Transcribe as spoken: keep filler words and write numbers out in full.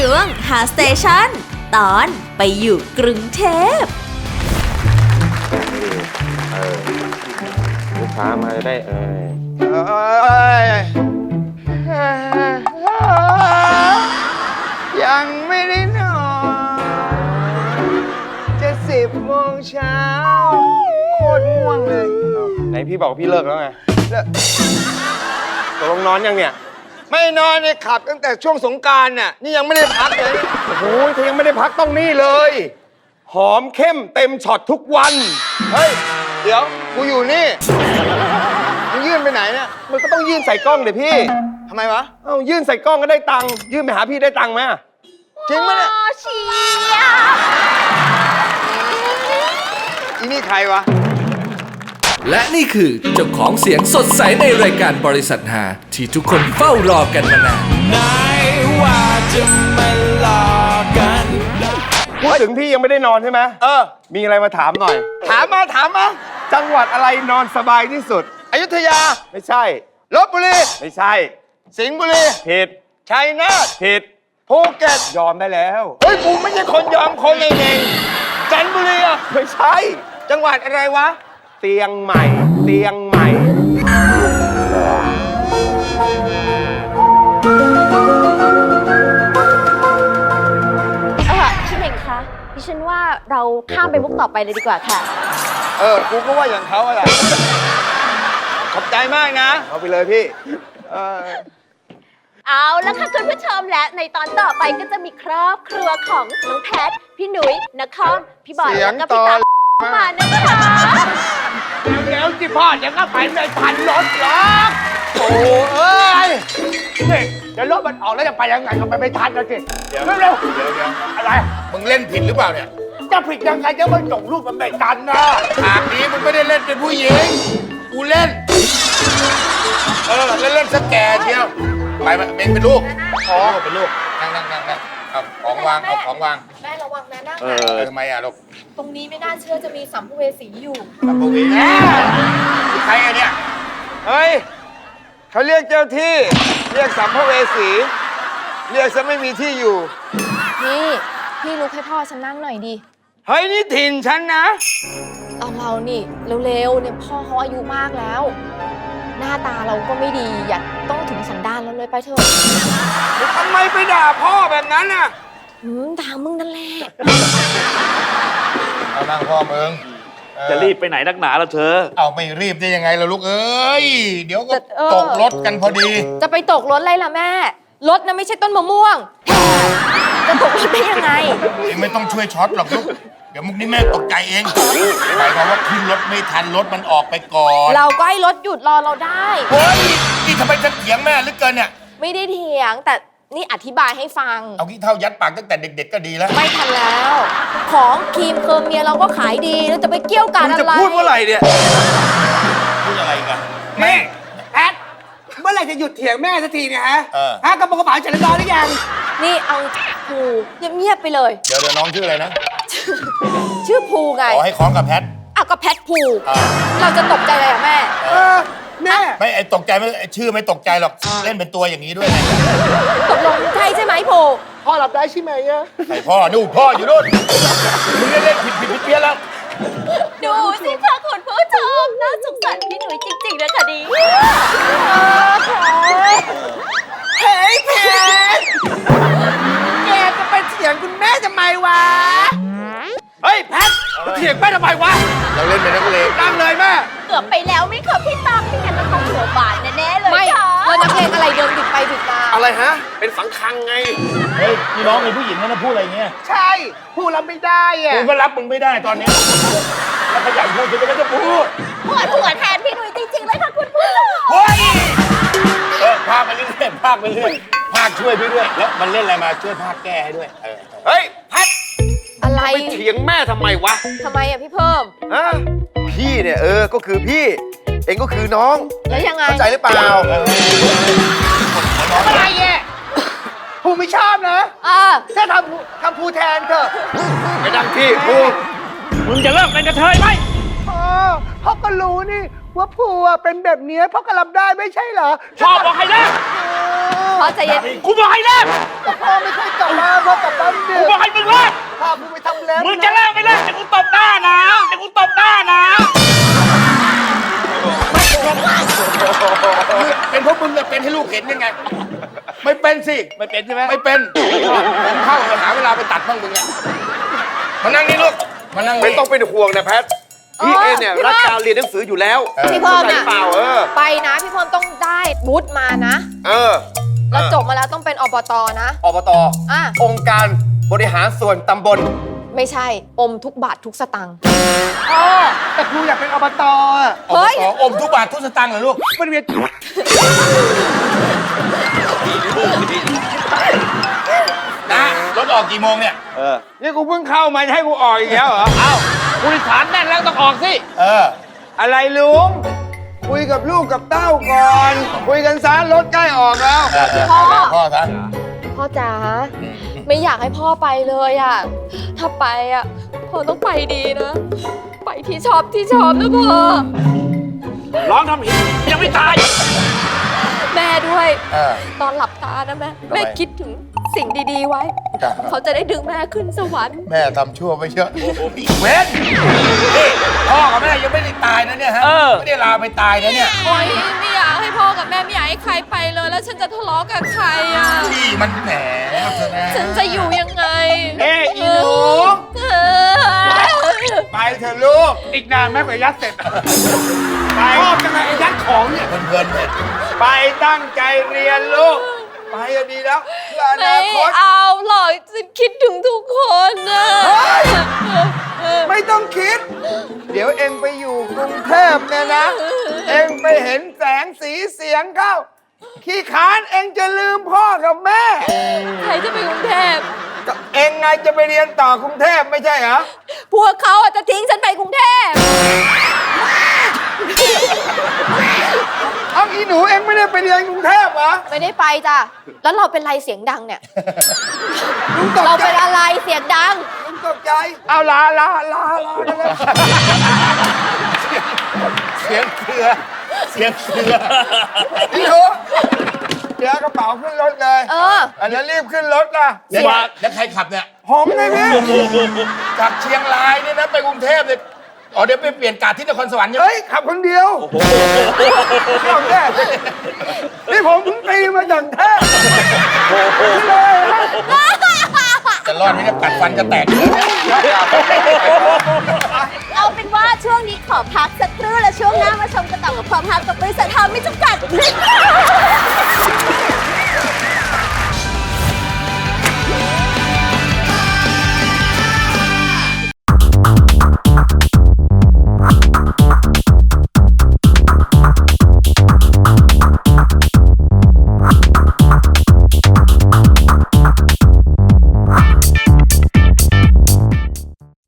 ช่วงหาสเตชันตอนไปอยู่กรุงเทพเออลูกค้ามาจะได้เออยังไม่ได้นอนจะสิบโมงเช้าโคตรง่วงเลยไหนพี่บอกพี่เลิกแล้วไงเลิกตกลงนอนยังเนี่ยไม่นอนเนี่ยขับตั้งแต่ช่วงสงกรานต์น่ะนี่ยังไม่ได้พักเลยโอ้โหถ้ายังไม่ได้พักต้องนี่เลย หอมเข้มเต็มช็อตทุกวันเฮ้ยเดี๋ยวกูอยู่นี่มึงยื่นไปไหนเนี่ยมันก็ต้องยื่นใส่กล้องเดี๋ยวพี่ทำไมวะเอ้ายื่นใส่กล้องก็ได้ตังค์ยื่นไปหาพี่ได้ตังค์ไหมจริงไหมเนี่ยเชียอีนี่ใครวะและนี่คือเจ้าของเสียงสดใสในรายการบริษัทหาที่ทุกคนเฝ้ารอกันมานานไหนว่าจะไม่หลอกกันพูดถึงพี่ยังไม่ได้นอนใช่ไหมเออมีอะไรมาถามหน่อยถามมาถามมาจังหวัดอะไรนอนสบายที่สุดอยุธยาไม่ใช่ลพบุรีไม่ใช่สิงห์บุรีผิดชัยนาทผิดภูเก็ตยอมได้แล้วเฮ้ยกูไม่ใช่คนยอมคนเองๆจันทบุรีอ่ะไม่ใช่จังหวัดอะไรวะเตียงใหม่เตียงใหม่เออพี่เน่งคะดิฉันว่าเราข้ามไปมุกต่อไปเลยดีกว่าค่ะเออกูก็ว่าอย่างเขาอะไรขอบใจมากนะเอาไปเลยพี่เออเอาแล้วค่ะคุณผู้ชมและในตอนต่อไปก็จะมีครอบครัวของน้องแพทพี่หนุยนครพี่บอยแล้วก็พี่ตามานะคะเดี๋ยวๆสิพ่อเดี๋ยวก็ไปไม่ทันรถหรอกโอ้เอ้ยนี่เดี๋ยวรถมันออกแล้วจะไปยังไงก็ไปไม่ทันแล้วสิเดี๋ยวเร็วเดี๋ยวเดี๋ยวอะไรมึงเล่นผิดหรือเปล่าเนี่ยจะผิดยังไงจะมันส่งรูปมันไม่ทันนะฉากนี้มึงไม่ได้เล่นเป็นผู้หญิงกูเล่นเออเล่นเล่นสแกเชียวไปมาเป็นเป็นลูกอ๋อเป็นลูกนั่งนั่งนั่งนั่งเอาของวางเอาของวางแม่ระวังนะนั่งเออทำไมอ่ะลูกตรงนี้ไม่น่าเชื่อจะมีสัมภเวสีอยู่สัมภเวสีใครอ่ะเนี่ยเฮ้ยเขาเรียกเจ้าที่เรียกสัมภเวสีเรียกซะไม่มีที่อยู่พี่พี่ลุกให้พ่อฉันนั่งหน่อยดิเฮ้ยนี่ถิ่นฉันนะเอาเรานี่เร็วๆเนี่ยพ่อเขาอายุมากแล้วหน้าตาเราก็ไม่ดีอย่าต้องถึงสันดานเราเลยไปเถอะทำไมไปด่าพ่อแบบนั้นน่ะอืมด่ามึงนั่นแหละเอานั่งพ่อมึงจะรีบไปไหนนักหนาแล้วเธอเอาไม่รีบได้ยังไงล่ะลูกเอ้ยเดี๋ยวก็ตกรถกันพอดีจะไปตกรถอะไรล่ะแม่รถน่ะไม่ใช่ต้นมะม่วงจะตกรถได้ยังไงไม่ต้องช่วยช็อตหรอกลูกเดี๋ยวมุกนี้แม่ตกใจเองหมายความว่าขึ้นรถไม่ทันรถมันออกไปก่อนเราก็ให้รถหยุดรอเราได้เฮ้ยนี่ทำไมจะเถียงแม่หรือเกินเนี่ยไม่ได้เถียงแต่นี่อธิบายให้ฟังเอาขี้เท่ายัดปากตั้งแต่เด็กๆก็ดีแล้วไม่ทันแล้วของครีมเคิร์มเมียเราก็ขายดีแล้วจะไปเกี่ยวกันอะไรจะพูดเมื่อไหร่เนี่ยพูดอะไรกันแม่แอดเมื่อไหร่จะหยุดเถียงแม่สักทีเนี่ยฮะฮะกระป๋องกระป๋าจัดรอหรือยังนี่เอาภูเงียบๆไปเลยเดี๋ยวเดี๋ยวน้องชื่ออะไรนะชื่อภูไงขอให้คล้องกับแพทอ่ะก็แพทภูเราจะตกใจอะไรอ่ะแม่เออแม่ไม่ไอตกใจไม่ชื่อไม่ตกใจหรอกเล่นเป็นตัวอย่างนี้ด้วยไงตกลงใช่ใช่ไหมภูพ่อรับได้ใช่ไหมอะไอพ่อนู่นพ่ออยู่นู่นมึงเล่นผิดผิดผิดเพี้ยนแล้วดูสิค่ะคุณผู้ชมน่าสงสารพี่หนุ่ยจริงๆนะคะดีเฮ้ยเพชรแกจะไปเถียงคุณแม่ทำไมวะเฮ้ยแพทเถียงแม่ทำไมวะเราเล่นเป็นนักเลงตั้งเลยแม่เกือบไปแล้วไหมคะพี่ตั๊กไม่งั้นต้องหัวบานแน่ๆเลยค่ะไม่แล้วนักเลงอะไรเดินบิดไปบิดมาอะไรฮะเป็นสังคังไงเฮ้ยพี่น้องเป็นผู้หญิงนะพูดอะไรเงี้ยใช่พูดแล้วไม่ได้อะกูก็รับมึงไม่ได้ตอนนี้แล้วขยันพูดจะไม่ต้องพูดหัวหัวแทนพี่หนุ่ยจริงๆเลยค่ะคุณผู้ชมเฮ้ยเออพากไปเรื่อยๆพากไปเรื่อยพากช่วยพี่ด้วยแล้วมันเล่นอะไรมาช่วยพากแก้ให้ด้วยเออเฮ้ยแพทอะไรไปเถียงแม่ทำไมวะทำไมอ่ะพี่เพิ่มฮะพี่เนี่ยเออก็คือพี่เองก็คือน้องแล้วยังไงเข้าใจหรือเปล่าอะไรเนี่ยภูไม่ชอบนะอ่าถ้าทำทำภูแทนเถอะไปดังที่ภูมึงจะเลิกเป็นกระเทยไหมพ่อพ่อก็รู้นี่วว่าผัวเป็นแบบเนี้ยพ่อก็รับได้ไม่ใช่เหรอชอบบอกให้เลิกพ่อใจเย็นกูบอกให้เลิกแต่พ่อไม่ค่อยกลับมาพ่อกลับบ้านดึกูกบอกให้มึงเลิกพากูไปทำแล้วมึงจะเลิกไม่เลิกแต่กูตบหน้านะแต่กูตบหน้านะเป็นเพราะมึงเนี่ยเป็นให้ลูกเห็นยังไง ไม่เป็นสิไม่เป็นใช่ไหมไม่เป็นผมเข้าไปหาเวลาไปตัดบ้างมึงเนี่ยมานั่งนี่ลูก มานั่งไม่นี่ต้องเป็นห่วงนะแพท พี่เอเนี่ยรักการเรียนหนังสืออยู่แล้วพี่เพิ่มเข้าใจน่ะเปล่าเออไปนะพี่เพิ่มต้องได้วุฒิมานะเออแล้วจบมาแล้วต้องเป็นอบตนะอบตอ่ะองค์การบริหารส่วนตำบลไม่ใช่อมทุกบาททุกสตังค์พ่อแต่ครูอยากเป็นอบตอ่ะเฮ้ยอมทุกบาททุกสตางค์เหรอลูกมันเวียนนะรถออกกี่โมงเนี่ยเออนี่กูเพิ่งเข้ามาจะให้กูออกอีกแล้วเหรอเอ้ากูฐานแน่นแล้วต้องออกสิเอออะไรลุง คุยกับลูกกับเต้าก่อน คุยกันซะรถใกล้ออกแล้วพ่อพ่อซะพ่อจ๋าไม่อยากให้พ่อไปเลยอ่ะ ถ้าไปอ่ะพ่อต้องไปดีนะ ไปที่ชอบที่ชอบนะพ่อร้องทำหินยังไม่ตายแม่ด้วยเออตอนหลับตานะแม่ทำไมแม่คิดถึงสิ่งดีๆไว้จ้ะเขาจะได้ดึงแม่ขึ้นสวรรค์แม่ทำชั่วไปเยอะเว้นนี่พ่อกับแม่ยังไม่ได้ตายนะเนี่ยฮะเออไม่ได้ลาไปตายนะเนี่ยโอ๊ยไม่อยากให้พ่อกับแม่ไม่อยากให้ใครไปเลย แล้วฉันจะทะเลาะกับใครอ่ะพี่มันแหมเธอนะฉันจะอยู่ยังไงเอ้ยอีหนูเออไปเถอะลูก อีกนานแม่กว่ายัดเสร็จ ไปชอบจังไงไอ้ยัดของเนี่ยเพลินๆเนี่ยไปตั้งใจเรียนลูก ไปอะดีแล้วเพื่ออไม่นาคตเอาหรอกฉันคิดถึงทุกคนนะไม่ต้องคิด เดี๋ยวเองไปอยู่กรุงเทพเนี่ยนะ เองไปเห็นแสงสีเสียงเข้า ขี้ขานเองจะลืมพ่อกับแม่ใครจะไปกรุงเทพก็เองไงจะไปเรียนต่อกรุงเทพไม่ใช่เหรอพวกเขาอาจจะทิ้งฉันไปกรุงเทพเอาอีหนูเองไม่ได้ไปเรียนกรุงเทพเหรอไม่ได้ไปจ้ะ แล้วเราเป็นไรเสียงดังเนี่ยลุงตกเราใจเป็นอะไรเสียงดังลุงตกใจ เอาลาลาลาลาไปเลยเสียงเสือเสียงเสืออีหนูเดี๋ยวกระเป๋าขึ้นรถเลยเอออันนั้นรีบขึ้นรถนะแล้วแล้วใครขับเนี่ยผมไงพี่จากเชียงรายเนี่ยนะไปกรุงเทพเลยอ๋อเดี๋ยวไปเปลี่ยนกาดที่นครสวรรค์ใช่ไหมเฮ้ย ขับคนเดียวเอาแน่นี่ผมเพิ่งตีมาจากแท้เลยนะจะรอดไหมเนี่ยกัดฟันจะแตกเลยเนี่ยเอาเป็นว่าช่วงนี้ขอพักสักครู่แล้วช่วงหน้ามาชมกันต่อกับความฮากับ